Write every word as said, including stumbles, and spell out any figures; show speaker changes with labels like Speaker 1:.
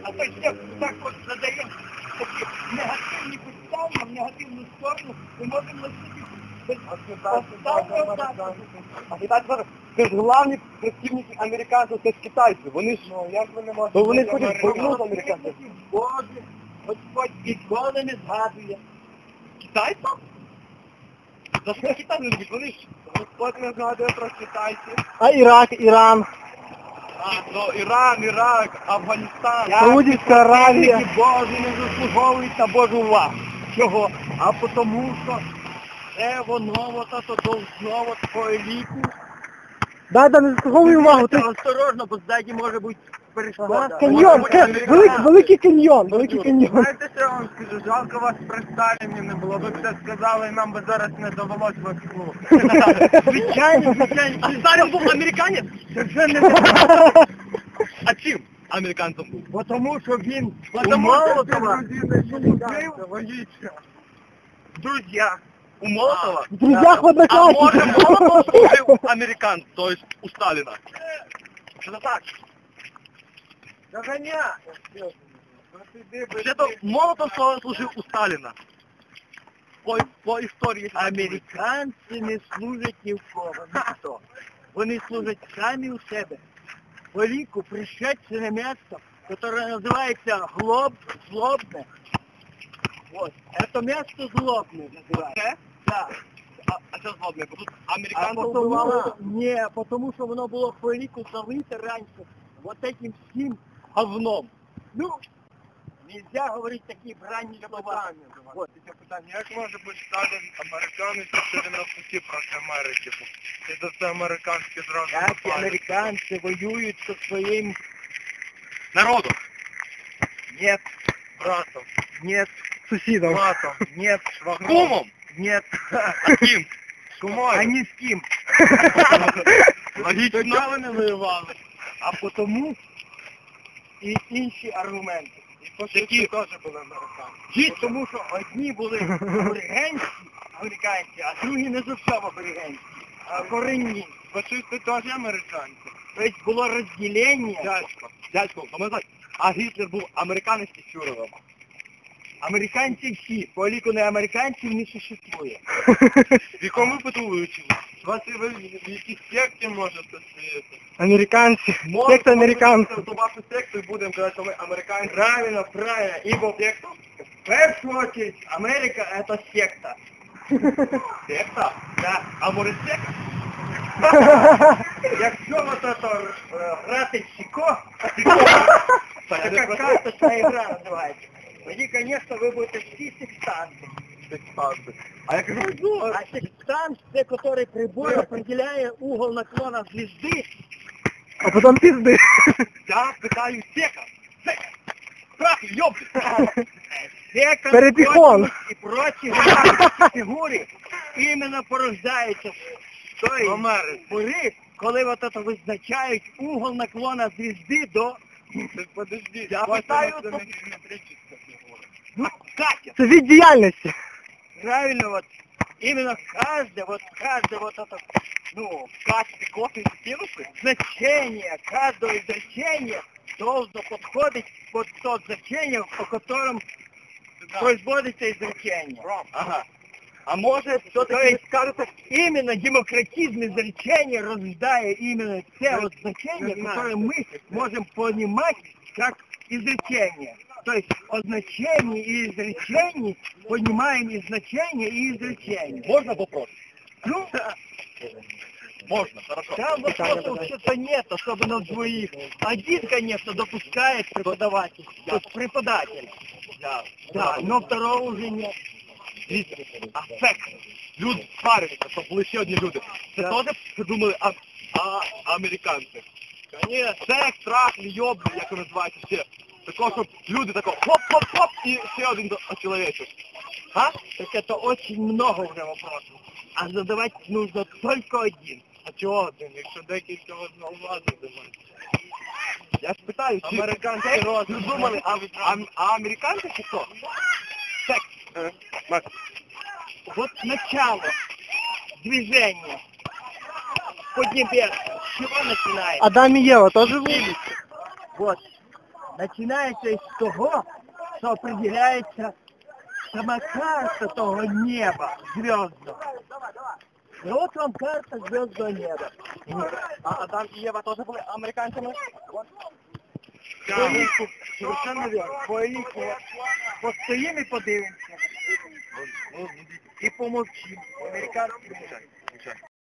Speaker 1: А то ще так от задаємо такі негативні підстави, в негативну сторону, ми можемо носити без останнього засобу.
Speaker 2: А китайці, це ж головні працівники американців, це ж китайці. Вони ж,
Speaker 1: Ну, як ви не можете...
Speaker 2: то вони ходять війну з американців.
Speaker 1: Боже, Господь ніколи не згадує.
Speaker 2: Китайців? За що китайці не любить? Вони ж, Господь не згадує про китайців.
Speaker 3: А Ірак, Іран,
Speaker 2: А, ну, Іран, Ірак, Афганістан.
Speaker 3: Саудівська Аравія.
Speaker 1: Працівники Божі не заслуговують на Божу увагу. Чого? А тому що це воно, от ото должно от по еліту.
Speaker 3: Да, да, не заслуговуй увагу. Ти...
Speaker 1: Осторожно, бо ззаді може бути перешкода.
Speaker 3: Ага, каньйон, ка- великий, великий каньйон, великий каньйон.
Speaker 2: Знаєте, що я вам скажу? Жалко вас при Сталіні не було. Ви б це сказали, і нам би зараз не довелось Москву.
Speaker 1: Звичайно, звичайно.
Speaker 2: Сталін був американець?
Speaker 1: Це вже не
Speaker 2: А чим американцем був?
Speaker 1: Бо тому, що він
Speaker 2: Потому що
Speaker 1: Молотова
Speaker 2: логічно. Друзі, у Молотова?
Speaker 3: В друзях в
Speaker 2: А може
Speaker 3: однокласниках.
Speaker 2: Молотов служив американцем, то есть у Сталіна? Що це так?
Speaker 1: Доганя.
Speaker 2: Вообще-то Молотов служив у Сталіна. По, по історії.
Speaker 1: Американці не служать ні в кого, ніхто. Вони служать самі у себе. По ліку пришедшее місто, яке називається Глоб, Злобне. Вот. Это місто Злобне називається. Да.
Speaker 2: А, а це злобне, бо тут
Speaker 1: А
Speaker 2: американців
Speaker 1: потому,
Speaker 2: вбивали.
Speaker 1: ні, тому що воно було по ліку залите раніше вот этим всім говном. Ну, нельзя говорити такі бранні слова. Вот.
Speaker 2: Це питання, як може бути Сталін американець, якщо він навпаки проти Америки? І це все американське зразу.
Speaker 1: Як американці воюють зі своїм
Speaker 2: Народом.
Speaker 1: нет,
Speaker 2: Братом.
Speaker 1: нет,
Speaker 3: Сусідом.
Speaker 2: Братом.
Speaker 1: нет,
Speaker 2: Кумом.
Speaker 1: нет.
Speaker 2: А ким? Кумою.
Speaker 1: А ні з ким.
Speaker 2: Логічно. Чого не воювали?
Speaker 1: А потому і інші аргументи.
Speaker 2: І фашисти теж були американці.
Speaker 1: Бо тому що одні були аборигенські, американці, а другі не зовсім аборигенські, а корінні.
Speaker 2: Фашисти теж американці.
Speaker 1: Тобто було розділення.
Speaker 2: Дядько, дядько, пам'ятаєте, а Гітлер був американець чи фюрером?
Speaker 1: Американці всі, по ліку не американців не существує.
Speaker 2: В якому випадку ви вчили? Вас і ви в якійсь секті можете сидіти?
Speaker 3: Американці. Секта американців.
Speaker 2: То вашу секту і будемо казати, що ми американці.
Speaker 1: Правильно, правильно. Ибо
Speaker 2: Секту?
Speaker 1: в першу очередь Америка это секта.
Speaker 2: Секта?
Speaker 1: Да.
Speaker 2: А може секта?
Speaker 1: Якщо от это е, грати в сіко,
Speaker 2: Так,
Speaker 1: така карточна ігра називається. Тоді, звісно, ви будете всі сектанти.
Speaker 2: Сектанти. А я кажу, ну,
Speaker 1: А сектант – це, який прибор определяє угол наклона звезди.
Speaker 3: А потім пізди.
Speaker 2: я питаю сека. Сека. Прах, ёб.
Speaker 1: Сека,
Speaker 3: Перепихон.
Speaker 1: і прочі геометричні фігури іменно порождаються з тої
Speaker 2: Америці.
Speaker 1: пори, коли от это визначають угол наклона звезди до...
Speaker 2: Так подожди,
Speaker 1: Я
Speaker 2: ваша
Speaker 1: питаю,
Speaker 2: це
Speaker 1: то-
Speaker 2: не геометрична фігура.
Speaker 1: Ну, Катя,
Speaker 3: Це від діяльності.
Speaker 1: правильно, вот именно каждое, вот каждое вот это, ну,
Speaker 2: В качестве кофе и синусы?
Speaker 1: значение, каждого изречения должно подходить под то значение, по которому производится изречение.
Speaker 2: Ага. А може,
Speaker 1: То
Speaker 2: все-таки
Speaker 1: есть, скажете, именно демократизм изречения рождает именно те вот значения, которые мы можем понимать как изречение. То есть от значений и изречений понимаем и значения, и изречения.
Speaker 2: Можно вопрос?
Speaker 1: Ну,
Speaker 2: Можно, хорошо.
Speaker 1: там вопросов вообще-то нет, особенно в двоих. Один, конечно, допускает преподаватель, то есть преподаватель.
Speaker 2: Да,
Speaker 1: Да, но второго уже нет.
Speaker 2: Дивіться, афект. Люди сварюються, щоб були ще одні люди. Це
Speaker 1: Да.
Speaker 2: теж придумали а, а, американці. Конечно, секс, трах, льйоб, як воно називається ще. Такого, щоб люди тако хоп-хоп-хоп і ще один чоловічок.
Speaker 1: А? Так это очень много уже вопросов. А задавать нужно только один.
Speaker 2: А чого один, якщо декілька одного влади немає? Я ж питаю, чи
Speaker 1: Американський
Speaker 2: секс
Speaker 1: розум.
Speaker 2: придумали, а, а, а американці чи хто? Секс. Е, Макс.
Speaker 1: Вот начало движения Поднебесного. С чего начинается?
Speaker 3: Адам і Єва теж були?
Speaker 1: Вот. починається із того, що определяється сама карта того неба звездного. І от вам карта звездного неба.
Speaker 2: А Адам і Єва теж були американцями?
Speaker 1: По ліку, совершенно верно. По ліку постоїмо і подивимося. І помовчимо. Американські.